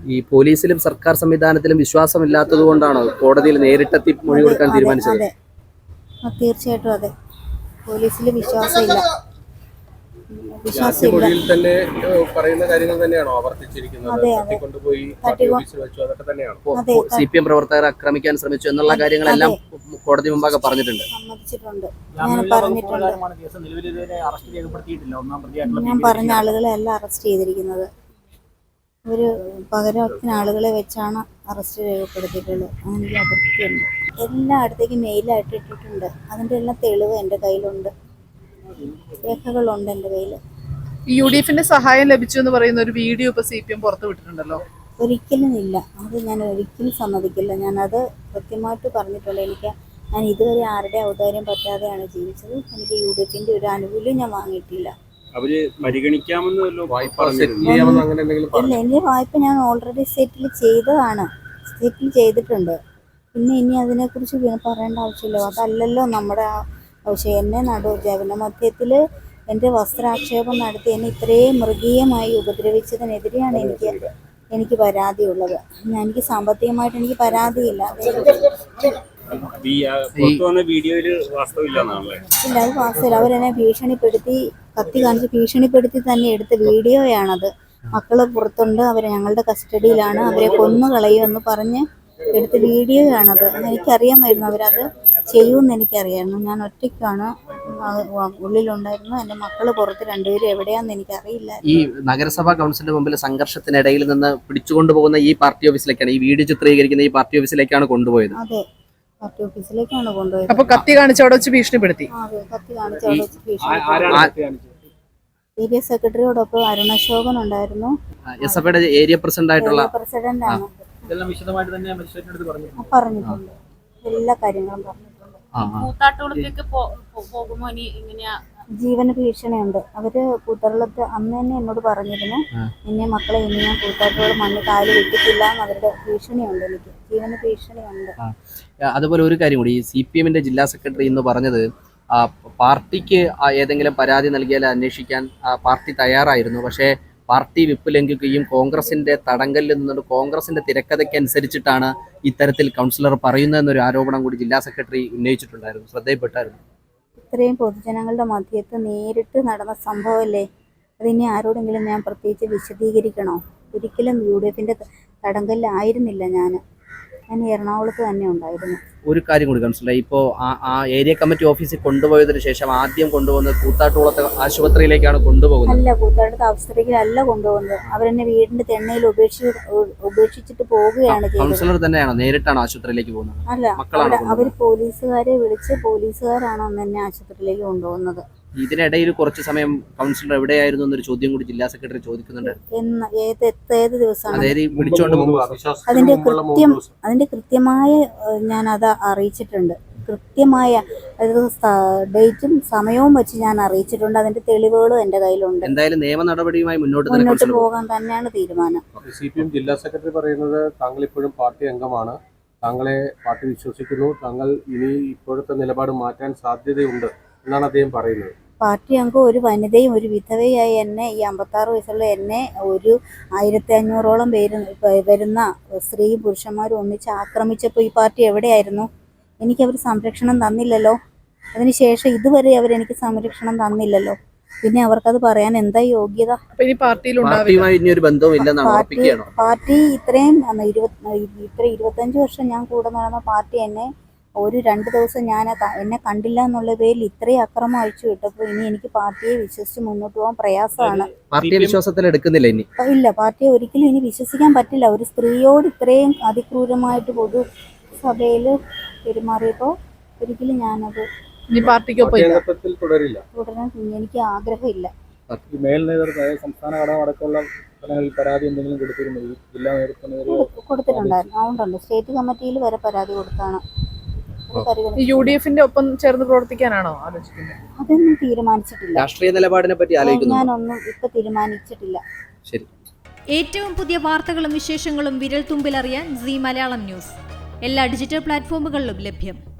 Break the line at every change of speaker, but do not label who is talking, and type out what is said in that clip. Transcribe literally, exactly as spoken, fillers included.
ഈ പോലീസിലും സർക്കാർ സംവിധാനത്തിലും വിശ്വാസമില്ലാത്തത് കൊണ്ടാണോ കോടതിയിൽ നേരിട്ടെത്തി മൊഴി കൊടുക്കാൻ തീരുമാനിച്ചത്?
തീർച്ചയായിട്ടും അതെ. പോലീസിൽ വിശ്വാസമില്ല.
മൊഴിയിൽ തന്നെ പറയുന്ന കാര്യങ്ങൾ തന്നെയാണോ ആവർത്തിച്ചിരിക്കുന്നത്? തട്ടിക്കൊണ്ടുപോയി പാർട്ടി ഓഫീസിൽ വെച്ചു, അതൊക്കെ തന്നെയാണോ? സി പി എം പ്രവർത്തകരെ ആക്രമിക്കാൻ ശ്രമിച്ചു എന്നുള്ള കാര്യങ്ങളെല്ലാം കോടതി മുമ്പാകെ പറഞ്ഞിട്ടുണ്ട്.
സമ്മതിച്ചിട്ടുണ്ട്. ഞാൻ പറഞ്ഞിട്ടുണ്ട്. ഞാൻ പറഞ്ഞ ആളുകളെ എല്ലാം അറസ്റ്റ് ചെയ്തിരിക്കുന്നത്. ഒരു പകരത്തിന് ആളുകളെ വെച്ചാണ് അറസ്റ്റ് രേഖപ്പെടുത്തിയിട്ടുള്ളത്. അങ്ങനെ അതൊക്കെയുണ്ട്. എല്ലായിടത്തേക്കും മെയിലായിട്ട് ഇട്ടിട്ടുണ്ട്. അതിൻ്റെ എല്ലാം തെളിവ് എൻ്റെ കയ്യിലുണ്ട്, രേഖകളുണ്ട് എൻ്റെ കയ്യിൽ.
യു ഡി എഫിന്റെ സഹായം ലഭിച്ചു എന്ന് പറയുന്ന ഒരു വീഡിയോ ഇപ്പൊ സി പി എം പുറത്തു വിട്ടിട്ടുണ്ടല്ലോ.
ഒരിക്കലും ഇല്ല, അത് ഞാൻ ഒരിക്കലും സമ്മതിക്കില്ല. ഞാനത് കൃത്യമായിട്ട് പറഞ്ഞിട്ടുണ്ട്. എനിക്ക് ഞാൻ ഇതുവരെ ആരുടെ ഔദാര്യം പറ്റാതെയാണ് ജീവിച്ചത്. എനിക്ക് യു ഡി എഫിന്റെ ഒരു ആനുകൂല്യം ഞാൻ വാങ്ങിയിട്ടില്ല.
അവര് പരിഗണിക്കാമെന്നല്ലോ വായ്പ
ഇല്ല, എൻ്റെ വായ്പ ഞാൻ ഓൾറെഡി സെറ്റിൽ ചെയ്തതാണ്, സെറ്റിൽ ചെയ്തിട്ടുണ്ട്. പിന്നെ ഇനി അതിനെക്കുറിച്ച് പറയേണ്ട ആവശ്യമില്ല. അതല്ലല്ലോ നമ്മുടെ ആവശ്യം. എന്നെ നടു ജനമധ്യത്തിൽ എൻ്റെ വസ്ത്രാക്ഷേപം നടത്തി എന്നെ ഇത്രയും മൃഗീയമായി ഉപദ്രവിച്ചതിനെതിരെയാണ് എനിക്ക് എനിക്ക് പരാതിയുള്ളത്. എനിക്ക് സാമ്പത്തികമായിട്ട് എനിക്ക് പരാതിയില്ല. ഇല്ല, അത് വാസ്തവല്ല. അവരെന്നെ ഭീഷണിപ്പെടുത്തി, കത്തി കാണിച്ച് ഭീഷണിപ്പെടുത്തി തന്നെ എടുത്ത വീഡിയോയാണത്. മക്കള് പുറത്തുണ്ട്, അവർ ഞങ്ങളുടെ കസ്റ്റഡിയിലാണ്, അവരെ കൊന്നു കളയുമെന്ന് പറഞ്ഞ് എടുത്ത വീഡിയോയാണത്. എനിക്കറിയാമായിരുന്നു അവരത് ചെയ്യുമെന്ന് എനിക്കറിയായിരുന്നു. ഞാൻ ഒറ്റയ്ക്കാണ് ഉള്ളിലുണ്ടായിരുന്നു. എൻ്റെ മക്കള് പുറത്ത് രണ്ടുപേരും എവിടെയാന്ന് എനിക്കറിയില്ല.
ഈ നഗരസഭാ കൗൺസിലിന്റെ മുമ്പിൽ സംഘർഷത്തിനിടയിൽ നിന്ന് പിടിച്ചുകൊണ്ടുപോകുന്ന ഈ പാർട്ടി ഓഫീസിലേക്കാണ്, ഈ വീഡിയോ ചിത്രീകരിക്കുന്ന ഈ പാർട്ടി ഓഫീസിലേക്കാണ് കൊണ്ടുപോയത്.
അതെ, പാർട്ടി ഓഫീസിലേക്കാണ് കൊണ്ടുപോയത്.
അപ്പൊ കത്തി കാണിച്ച് അവിടെ വെച്ച് ഭീഷണിപ്പെടുത്തി.
അതെ, കത്തി കാണിച്ച് അവിടെ വെച്ച് ഭീഷണിപ്പെടുത്തി. ഏരിയ സെക്രട്ടറിയോടൊപ്പം അരുണശോകൻ ഉണ്ടായിരുന്നു.
എസ് എഫ് ഐയുടെ ഏരിയ പ്രസിഡന്റ് ആയിട്ടുള്ള
പ്രസിഡന്റ് ആണ്.
ഇതെല്ലാം വിശദമായിട്ട് തന്നെ മജിസ്ട്രേറ്റിനടുത്ത് പറഞ്ഞിട്ടുണ്ട്.
പറഞ്ഞിട്ടുണ്ട്, എല്ലാ കാര്യങ്ങളും പറഞ്ഞിട്ടുണ്ട്. ജീവന ഭീഷണിയുണ്ട്. അവര് കൂത്തറളത്ത് അന്ന് തന്നെ എന്നോട് പറഞ്ഞിരുന്നു, നിന്നെ മക്കളെ ഇനി ഞാൻ കൂത്താട്ടോട് മണ്ണ് കാല് വിട്ടിട്ടില്ല എന്ന്. അവരുടെ ഭീഷണിയുണ്ട്, എനിക്ക് ജീവന ഭീഷണിയുണ്ട്.
അതുപോലെ ഒരു കാര്യം കൂടി, ഈ സി പി എമ്മിന്റെ ജില്ലാ സെക്രട്ടറി ഇന്ന് പറഞ്ഞത് പാർട്ടിക്ക് ഏതെങ്കിലും പരാതി നൽകിയാൽ അന്വേഷിക്കാൻ പാർട്ടി തയ്യാറായിരുന്നു, പക്ഷേ പാർട്ടി വിപ്പ് ലംഘിക്കുകയും കോൺഗ്രസിന്റെ തടങ്കലിൽ നിന്നുകൊണ്ട് കോൺഗ്രസിന്റെ തിരക്കഥയ്ക്ക് അനുസരിച്ചിട്ടാണ് ഇത്തരത്തിൽ കൗൺസിലർ പറയുന്നതെന്നൊരു ആരോപണം കൂടി ജില്ലാ സെക്രട്ടറി ഉന്നയിച്ചിട്ടുണ്ടായിരുന്നു. ശ്രദ്ധയിൽപ്പെട്ടായിരുന്നു.
ഇത്രയും പൊതുജനങ്ങളുടെ മധ്യത്ത് നേരിട്ട് നടന്ന സംഭവമല്ലേ, അതിനെ ആരോടെങ്കിലും ഞാൻ പ്രത്യേകിച്ച് വിശദീകരിക്കണോ? ഒരിക്കലും യു ഡി എഫിന്റെ തടങ്കലിലായിരുന്നില്ല ഞാൻ. ഞാൻ എറണാകുളത്ത് തന്നെ ഉണ്ടായിരുന്നു.
ഒരു കാര്യം കൂടി കൗൺസിലർ, ഇപ്പോൾ ആ ഏരിയ കമ്മിറ്റി ഓഫീസിൽ കൊണ്ടുപോയതിനു ശേഷം ആദ്യം കൊണ്ടുപോകുന്നത് കൂത്താട്ടുകുളത്തെ ആശുപത്രിയിലേക്കാണ് കൊണ്ടുപോകുന്നത്.
അല്ല, കൂത്താട്ടത്തെ ആശുപത്രിയിലല്ല കൊണ്ടുപോകുന്നത്. അവരെന്നെ വീടിന്റെ തെണ്ണയിൽ ഉപേക്ഷിച്ച് ഉപേക്ഷിച്ചിട്ട് പോവുകയാണ് ചെയ്തത്.
കൗൺസിലർ തന്നെയാണോ നേരിട്ടാണ് ആശുപത്രിയിലേക്ക് പോകുന്നത്?
അല്ല, അവർ പോലീസുകാരെ വിളിച്ച് പോലീസുകാരാണോ എന്നെ ആശുപത്രിയിലേക്ക് കൊണ്ടുപോകുന്നത്.
ഇതിനിടയിൽ കുറച്ച് സമയം കൗൺസിലർ എവിടെയായിരുന്നു എന്നൊരു ചോദ്യം കൂടി ജില്ലാ സെക്രട്ടറി ചോദിക്കുന്നുണ്ട്.
ഏത് ദിവസമാണ്
വിളിച്ചോണ്ട്
അതിന്റെ കൃത്യം അതിന്റെ കൃത്യമായ ഞാൻ അത് അറിയിച്ചിട്ടുണ്ട്. കൃത്യമായ ഡേറ്റും സമയവും വെച്ച് ഞാൻ അറിയിച്ചിട്ടുണ്ട്. അതിന്റെ തെളിവുകളും എന്റെ കയ്യിലുണ്ട്.
എന്തായാലും നിയമ നടപടിയുമായി മുന്നോട്ട്
മുന്നോട്ട് പോകാൻ തന്നെയാണ് തീരുമാനം.
സി പി എം ജില്ലാ സെക്രട്ടറി പറയുന്നത് താങ്കൾ ഇപ്പോഴും പാർട്ടി അംഗമാണ്, താങ്കളെ പാർട്ടി വിശ്വസിക്കുന്നു, താങ്കൾ ഇനി ഇപ്പോഴത്തെ നിലപാട് മാറ്റാൻ സാധ്യതയുണ്ട് എന്നാണ് അദ്ദേഹം പറയുന്നത്.
പാർട്ടി അംഗം ഒരു വനിതയും ഒരു വിധവയായി എന്നെ, ഈ അമ്പത്താറ് വയസ്സുള്ള എന്നെ, ഒരു ആയിരത്തി അഞ്ഞൂറോളം പേര് വരുന്ന സ്ത്രീയും പുരുഷന്മാരും ഒന്നിച്ച് ആക്രമിച്ചപ്പോൾ ഈ പാർട്ടി എവിടെയായിരുന്നു? എനിക്കവർ സംരക്ഷണം തന്നില്ലല്ലോ. അതിനുശേഷം ഇതുവരെ അവരെനിക്ക് സംരക്ഷണം തന്നില്ലല്ലോ. പിന്നെ അവർക്കത് പറയാൻ എന്താ യോഗ്യത? പാർട്ടി ഇത്രയും ഇത്ര ഇരുപത്തഞ്ച് വർഷം ഞാൻ കൂടെ നടന്ന പാർട്ടി എന്നെ ഒരു രണ്ട് ദിവസം ഞാൻ എന്നെ കണ്ടില്ല എന്നുള്ള പേരിൽ ഇത്രയും അക്രമം അഴിച്ചു വിട്ടപ്പോൾ ഇനി എനിക്ക് പാർട്ടിയെ വിശ്വസിച്ച് മുന്നോട്ട് പോകാൻ പ്രയാസമാണ്.
പാർട്ടിയെ വിശ്വാസത്തിൽ എടുക്കുന്നില്ല ഇനി.
ഇല്ല, പാർട്ടിയെ ഒരിക്കലും ഇനി വിശ്വസിക്കാൻ പറ്റില്ല. ഒരു സ്ത്രീയോട് ഇത്രയും അതിക്രൂരമായിട്ട് പൊതു സഭയിൽ പെരുമാറിയപ്പോൾ ഒരിക്കലും ഞാനത്
തുടരില്ല
തുടരാൻ എനിക്ക് ആഗ്രഹമില്ല.
മേൽ നേതൃത്വം സംസ്ഥാന ഘടകമടക്കമുള്ള പരാതി എന്തെങ്കിലും കൊടുത്തിരുന്നു ജില്ലാ നേതൃത്വം?
കൊടുത്തിട്ടുണ്ടായിരുന്നു. അതുകൊണ്ടുണ്ട് സ്റ്റേറ്റ് കമ്മിറ്റിയിൽ വരെ പരാതി കൊടുത്താണ്.
യു ഡി എഫിന്റെ ഒപ്പം ചേർന്ന് പ്രവർത്തിക്കാനാണോ ആലോചിക്കുന്നത്?
അതൊന്നും തീരുമാനിച്ചിട്ടില്ല.
രാഷ്ട്രീയ നിലപാടിനെ പറ്റി
ഞാനൊന്നും ഇപ്പൊ തീരുമാനിച്ചിട്ടില്ല.
ശരി.
ഏറ്റവും പുതിയ വാർത്തകളും വിശേഷങ്ങളും വിരൽ തുമ്പിലറിയാൻ സീ മലയാളം ന്യൂസ് എല്ലാ ഡിജിറ്റൽ പ്ലാറ്റ്ഫോമുകളിലും ലഭ്യം.